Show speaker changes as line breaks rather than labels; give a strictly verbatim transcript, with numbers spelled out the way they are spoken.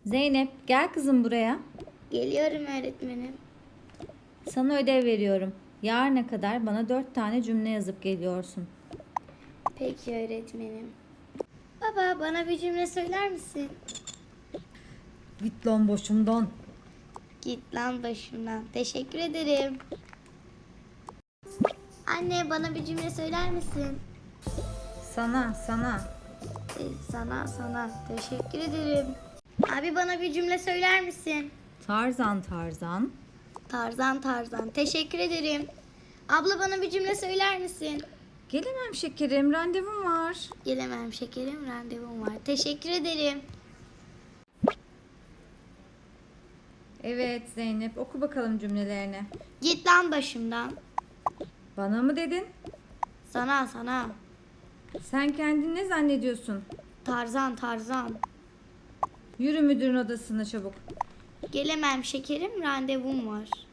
Zeynep, gel kızım buraya.
Geliyorum öğretmenim.
Sana ödev veriyorum. Yarına kadar bana dört tane cümle yazıp geliyorsun.
Peki öğretmenim. Baba bana bir cümle söyler misin?
Git lan boşumdan.
Git lan başımdan. Teşekkür ederim. Anne bana bir cümle söyler misin?
Sana, sana.
Ee, sana sana teşekkür ederim. Abi bana bir cümle söyler misin?
Tarzan, Tarzan.
Tarzan Tarzan teşekkür ederim. Abla bana bir cümle söyler misin?
Gelemem şekerim, randevum var.
Gelemem şekerim randevum var. Teşekkür ederim.
Evet Zeynep, oku bakalım cümlelerini.
Git lan başımdan.
Bana mı dedin?
Sana sana.
Sen kendini ne zannediyorsun?
Tarzan Tarzan.
Yürü müdürün odasına çabuk.
Gelemem şekerim randevum var.